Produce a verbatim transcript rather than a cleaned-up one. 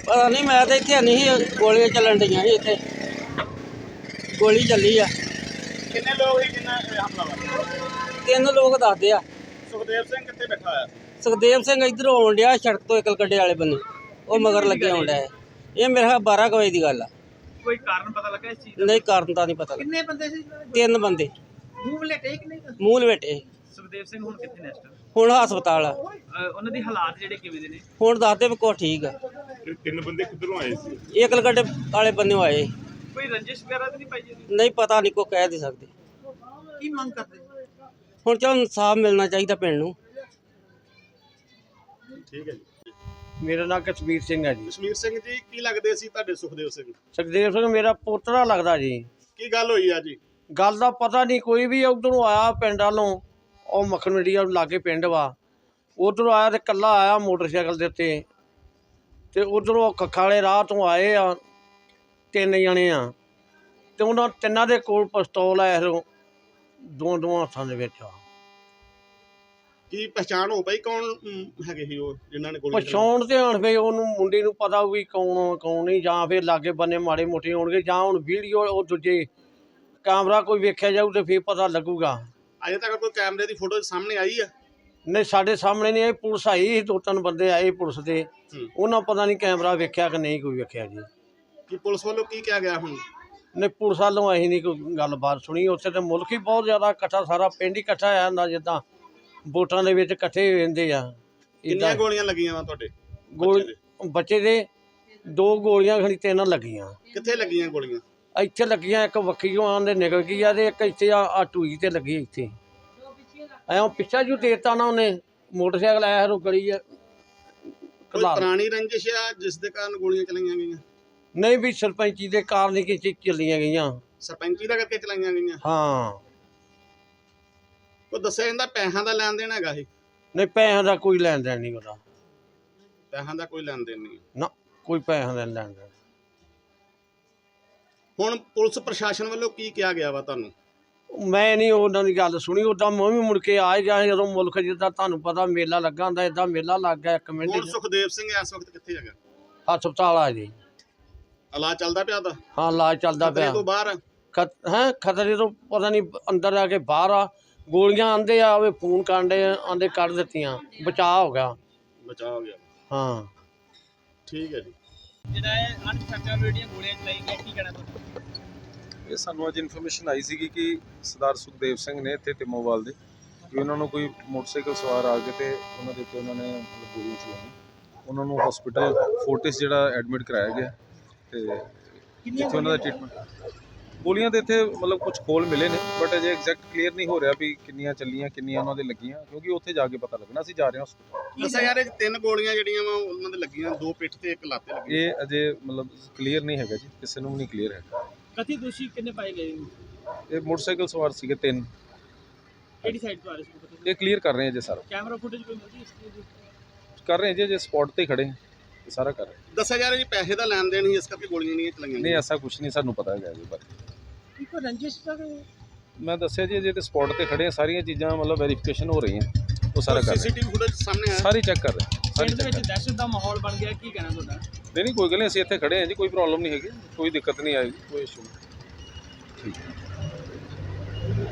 पता नहीं, मैं तो इत्थे नहीं सी, गोलियां चलन डी इत्थे, गोली चली आ। किन्ने लोग ही जिन्ना हमलावर? तीन लोग दसदे आ। सुखदेव सिंह कित्थे बैठा होया? सुखदेव सिंह इधर आउण डिया सड़क तो इकल गड्डे वाले बन्ने, वो मगर लगे आउण डिया। ये मेरे ख्याल बारह बजे की गल आ। कोई कारण पता लगा इस चीज का? नहीं, कारण तो नहीं पता। कितने बंदे सी? तीन बंदे ਮੂੰਹ ਲੇਟੇ ਕਿ ਨਹੀਂ? मूंह लपेटे। ਸੁਖਦੇਵ ਸਿੰਘ ਹੁਣ ਕਿੱਥੇ ਨੇ ਇਸ ਟਾਈਮ? ਹੁਣ ਹਸਪਤਾਲ ਆ। ਉਹਨਾਂ ਦੀ ਹਾਲਾਤ ਜਿਹੜੇ ਕਿਵੇਂ ਦੇ ਨੇ? ਹੁਣ ਦੱਸਦੇ ਵੀ ਕੁਛ ਠੀਕ ਆ। ਤਿੰਨ ਬੰਦੇ ਕਿੱਧਰੋਂ ਆਏ ਸੀ? ਇਹ ਕਲਕੱਡੇ ਵਾਲੇ ਬੰਨਿਓ ਆਏ। ਕੋਈ ਰੰਜਿਸ਼ ਵਗੈਰਾ ਤਾਂ ਨਹੀਂ ਪਾਈ ਜੀ? ਨਹੀਂ ਪਤਾ, ਨਹੀਂ ਕੋਈ ਕਹਿ ਨਹੀਂ ਸਕਦੇ। ਕੀ ਮੰਗ ਕਰਦੇ? ਹੁਣ ਚਲ ਇਨਸਾਫ ਮਿਲਣਾ ਚਾਹੀਦਾ ਪਿੰਡ ਨੂੰ। ਠੀਕ ਹੈ ਜੀ। मेरा नाम कश्मीर सिंह है जी। ਕਸ਼ਮੀਰ ਸਿੰਘ ਜੀ ਕੀ ਲੱਗਦੇ ਸੀ ਤੁਹਾਡੇ ਸੁਖਦੇਵ ਸਿੰਘ? सुखदेव सिंह मेरा पोतरा लगता जी। ਕੀ ਗੱਲ ਹੋਈ ਆ ਜੀ? गल का पता नहीं, कोई भी उधरों आया पिंड वालों, और मक्खन मंडी लागे पिंड वा, उधरों आया तो कला आया मोटरसाइकिल के उत्ते, ते उधरों कक्खा वाले राह तो आए आ तीन जने आ, ते उन्होंने तिन्ना दे कोल पिस्तौल है दो दो हत्थां दे विच आ। ਕੀ ਪਛਾਣ ਹੋ ਪਈ ਕੌਣ ਅਮ, ਹੈਗੇ ਸੀ ਉਹ ਜਿਨ੍ਹਾਂ ਨੇ ਗੋਲੀ ਚਲਾਈ? ਪਛਾਉਣ ਤੇ ਹੁਣ ਫੇ ਉਹਨੂੰ ਮੁੰਡੇ ਨੂੰ ਪਤਾ ਵੀ ਕੌਣ ਆ, ਕੌਣ ਨਹੀਂ, ਜਾਂ ਫਿਰ ਲਾਗੇ ਬੰਨੇ ਮਾੜੇ ਮੋਟੇ ਹੋਣਗੇ, ਜਾਂ ਹੁਣ ਵੀਡੀਓ ਉਹ ਦੂਜੇ ਕੈਮਰਾ ਕੋਈ ਵੇਖਿਆ ਜਾਊ ਤੇ ਫਿਰ ਪਤਾ ਲੱਗੂਗਾ। ਅਜੇ ਤੱਕ ਕੋਈ ਕੈਮਰੇ ਦੀ ਫੋਟੋ ਸਾਹਮਣੇ ਆਈ ਆ? ਨਹੀਂ, ਸਾਡੇ ਸਾਹਮਣੇ ਨਹੀਂ ਆਈ। ਪੁਲਿਸ ਆਈ ਸੀ, ਦੋ ਤਿੰਨ ਬੰਦੇ ਆਏ ਪੁਲਿਸ ਦੇ, ਹੂੰ। ਉਹਨਾਂ ਪਤਾ ਨਹੀਂ ਕੈਮਰਾ ਵੇਖਿਆ ਕਿ ਨਹੀਂ ਕੋਈ ਵੇਖਿਆ ਜੀ। ਕੀ ਪੁਲਿਸ ਵੱਲੋਂ ਕੀ ਕਿਹਾ ਗਿਆ ਹੁਣ? ਨਹੀਂ, ਪੁਲਿਸ ਵੱਲੋਂ ਅਸੀਂ ਨਹੀਂ ਕੋਈ ਗੱਲਬਾਤ ਸੁਣੀ। ਉੱਥੇ ਤੇ ਮੁਲਕ ਹੀ ਬਹੁਤ ਜ਼ਿਆਦਾ ਇਕੱਠਾ, ਸਾਰਾ ਪਿੰਡ ਹੀ ਇਕੱਠਾ ਆਇਆ ਹੁੰਦਾ, ਜਿੱਦਾਂ ਵੋਟਾਂ ਦੇ ਵਿੱਚ ਇਕੱਠੇ ਹੋ ਜਾਂਦੇ ਆ। ਕਿੰਨੀਆਂ ਗੋਲੀਆਂ ਲੱਗੀਆਂ ਵਾ ਤੁਹਾਡੇ ਗੋਲ ਬੱਚੇ ਦੇ ਦੋ ਗੋਲੀਆਂ ਖਣੀ ਤਿੰਨ ਲੱਗੀਆਂ। ਕਿੱਥੇ ਲੱਗੀਆਂ ਗੋਲੀਆਂ? ਇੱਥੇ ਲੱਗੀਆਂ, ਇੱਕ ਵੱਖੀਓਂ ਆਂਦੇ ਨਿਕਲ ਗਈ ਆ, ਤੇ ਇੱਕ ਇੱਥੇ ਆ ਆ ਟੂਈ ਤੇ ਲੱਗੀ ਇੱਥੇ। ਐਂ ਪਿੱਛਾ ਜੂ ਦੇਤਾ ਨਾ ਉਹਨੇ, ਮੋਟਰਸਾਈਕਲ ਆਇਆ ਰੋ ਗਲੀ ਆ ਕੋਈ ਪੁਰਾਣੀ ਰੰਜਿਸ਼ ਆ ਜਿਸ ਦੇ ਕਾਰਨ ਗੋਲੀਆਂ ਚਲਾਈਆਂ ਗਈਆਂ? ਨਹੀਂ ਵੀ ਸਰਪੰਚੀ ਦੇ ਕਾਰਨ ਹੀ ਕਿ ਚੱਲੀਆਂ ਗਈਆਂ। ਸਰਪੰਚੀ ਦਾ ਕਰਕੇ ਚਲਾਈਆਂ ਗਈਆਂ? ਹਾਂ, ਉਹ ਦੱਸਿਆ ਜਾਂਦਾ ਪੈਸਿਆਂ ਦਾ ਲੈਣ ਦੇਣ ਹੈਗਾ ਸੀ? ਨਹੀਂ, ਪੈਸਿਆਂ ਦਾ ਕੋਈ ਲੈਣ ਦੇਣ ਨਹੀਂ ਉਹਦਾ। ਪੈਸਿਆਂ ਦਾ ਕੋਈ ਲੈਣ ਦੇਣ ਨਹੀਂ। ਨਾ, ਕੋਈ ਪੈਸਿਆਂ ਦਾ ਲੈਣ ਦੇਣ। ਹੁਣ ਪੁਲਿਸ ਪ੍ਰਸ਼ਾਸਨ ਵੱਲੋਂ ਕੀ ਕਿਹਾ ਗਿਆ ਵਾ ਤੁਹਾਨੂੰ? ਮੈਂ ਨਹੀਂ ਉਹਨਾਂ ਦੀ ਗੱਲ ਸੁਣੀ। ਉੱਦਾਂ ਮੈਂ ਵੀ ਮੁੜ ਕੇ ਆ ਗਿਆ ਜਦੋਂ ਮੁਲਕ ਜਿੱਦਾਂ ਤੁਹਾਨੂੰ ਪਤਾ ਮੇਲਾ ਲੱਗਾ ਹੁੰਦਾ, ਏਦਾਂ ਮੇਲਾ ਲੱਗ ਗਿਆ ਇੱਕ ਮਿੰਟ ਹੁਣ 'ਚ। ਸੁਖਦੇਵ ਸਿੰਘ ਇਸ ਵਕਤ ਕਿੱਥੇ ਹੈਗਾ? ਹਸਪਤਾਲ ਆ ਜੀ। ਇਲਾਜ ਚੱਲਦਾ ਪਿਆ ਦਾ? ਹਾਂ, ਇਲਾਜ ਚੱਲਦਾ ਖਤਰੇ ਪਿਆ। ਤੋਂ ਬਾਹਰ ਆ? ਖਤ ਹੈ ਖਤਰੇ ਤੋਂ ਪਤਾ ਨਹੀਂ, ਅੰਦਰ ਆ ਕੇ ਬਾਹਰ ਆ। ਗੋਲੀਆਂ ਆਂਦੇ ਆ, ਉਹ ਫੋਨ ਕਾਂਡੇ ਆਂਦੇ ਕੱਢ ਦਿੱਤੀਆਂ, ਬਚਾਅ ਹੋ ਗਿਆ। ਬਚਾ ਹੋ ਗਿਆ। ਹਾਂ, ਠੀਕ ਹੈ ਜੀ। ਜਿਹੜਾ ਇਹ ਅਣਪਛਾਤੇ ਜਿਹੜੀਆਂ ਗੋਲੀਆਂ ਚਲਾਈ ਗਈਆਂ, ਕੀ ਕਹਿਣਾ ਤੁਹਾਡਾ? ਇਹ ਸਾਨੂੰ ਅੱਜ ਇਨਫੋਰਮੇਸ਼ਨ ਆਈ ਸੀਗੀ ਕਿ ਸਰਦਾਰ ਸੁਖਦੇਵ ਸਿੰਘ ਨੇ ਇੱਥੇ ਟਿਮੋਵਾਲ ਦੇ, ਕਿ ਉਹਨਾਂ ਨੂੰ ਕੋਈ ਮੋਟਰਸਾਈਕਲ ਸਵਾਰ ਆ ਕੇ ਤੇ ਉਹਨਾਂ ਦੇ ਉੱਤੇ ਉਹਨਾਂ ਨੇ ਮਤਲਬ ਗੋਲੀ ਚਲਾਈ। ਉਹਨਾਂ ਨੂੰ ਹਸਪੀਟਲ ਫੋਰਟਿਸ ਜਿਹੜਾ ਐਡਮਿਟ ਕਰਾਇਆ ਗਿਆ, ਤੇ ਜਿੱਥੇ ਉਹਨਾਂ ਦਾ ਟ੍ਰੀਟਮੈਂਟ। ਗੋਲੀਆਂ ਦੇ ਇੱਥੇ ਮਤਲਬ ਕੁਝ ਖੋਲ ਮਿਲੇ ਨੇ, ਬਟ ਅਜੇ ਐਗਜ਼ੈਕਟ ਕਲੀਅਰ ਨਹੀਂ ਹੋ ਰਿਹਾ ਵੀ ਕਿੰਨੀਆਂ ਚੱਲੀਆਂ, ਕਿੰਨੀਆਂ ਉਹਨਾਂ ਦੇ ਲੱਗੀਆਂ, ਕਿਉਂਕਿ ਉੱਥੇ ਜਾ ਕੇ ਪਤਾ ਲੱਗਣਾ। ਅਸੀਂ ਜਾ ਰਹੇ ਹਾਂ ਹਸਪਤਾਲ। ਦੱਸਿਆ ਯਾਰ ਇਹ ਤਿੰਨ ਗੋਲੀਆਂ ਜਿਹੜੀਆਂ ਵਾ ਉਹਨਾਂ ਦੇ ਲੱਗੀਆਂ, ਦੋ ਪਿੱਠ ਤੇ ਇੱਕ ਲੱਤ ਤੇ ਲੱਗੀ। ਇਹ ਅਜੇ ਮਤਲਬ ਕਲੀਅਰ ਨਹੀਂ ਹੈਗਾ ਜੀ, ਕਿਸੇ ਨੂੰ ਵੀ ਨਹੀਂ ਕਲੀਅਰ ਹੈਗਾ। ਕਥਿਤ ਦੋਸ਼ੀ ਕਿੰਨੇ ਪਾਏ ਗਏ ਨੇ? ਇਹ ਮੋਟਰਸਾਈਕਲ ਸਵਾਰ ਸੀਗੇ ਤਿੰਨ। ਕਿਹੜੀ ਸਾਈਡ ਤੋਂ ਆ ਰਹੇ ਸੀ? ਇਹ ਕਲੀਅਰ ਕਰ ਰਹੇ ਹਾਂ ਜੀ ਸਾਰਾ। ਕੈਮਰਾ ਫੁਟੇਜ ਕੋਈ ਮਿਲਦੀ ਇਸ ਚੀਜ਼ ਦੀ? ਕਰ ਰਹੇ ਹਾਂ ਜੀ, ਜੇ ਸਪੌਟ ਤੇ ਖੜੇ ਹਾਂ, ਇਹ ਸਾਰਾ ਕਰ ਰਹੇ ਹਾਂ। ਦੱਸਿਆ ਯਾਰ ਜੀ ਪੈਸੇ ਦਾ ਲੈਣ ਦੇਣ ਹੀ ਇਸ ਕਰਕੇ ਗੋਲੀਆਂ ਨਹੀਂ ਚਲਾਈਆਂ? ਨਹੀਂ, ਐਸਾ ਕੁਝ ਨਹੀਂ ਸਾਨੂੰ ਪਤਾ ਹੈਗਾ ਜੀ ਬਾਰੇ। ਕੋਈ ਰੰਜਿਸ਼ ਦਾ? ਮੈਂ ਦੱਸਿਆ ਜੀ, ਜੇ ਤੇ ਸਪੌਟ ਤੇ ਖੜੇ ਆ, ਸਾਰੀਆਂ ਚੀਜ਼ਾਂ ਮਤਲਬ ਵੈਰੀਫਿਕੇਸ਼ਨ ਹੋ ਰਹੀਆਂ, ਉਹ ਸਾਰਾ ਕਰ ਰਹੇ ਸੀਸੀਟੀਵੀ ਫੁਟੇਜ ਸਾਹਮਣੇ ਆਇਆ? ਸਾਰੀ ਚੈੱਕ ਕਰ ਰਹੇ ਸਾਰੀ ਪਿੰਡ ਦੇ ਚੈੱਕ ਵਿੱਚ ਦਹਿਸ਼ਤ ਦਾ ਮਾਹੌਲ ਬਣ ਗਿਆ, ਕੀ ਕਹਿਣਾ ਤੁਹਾਡਾ? ਨਹੀਂ ਨਹੀਂ, ਕੋਈ ਗੱਲ ਨਹੀਂ, ਅਸੀਂ ਇੱਥੇ ਖੜੇ ਹਾਂ ਜੀ, ਕੋਈ ਪ੍ਰੋਬਲਮ ਨਹੀਂ ਹੈਗੀ, ਕੋਈ ਦਿੱਕਤ ਨਹੀਂ ਆਏਗੀ, ਕੋਈ ਇਸ਼ੂ ਨਹੀਂ। ਠੀਕ ਹੈ।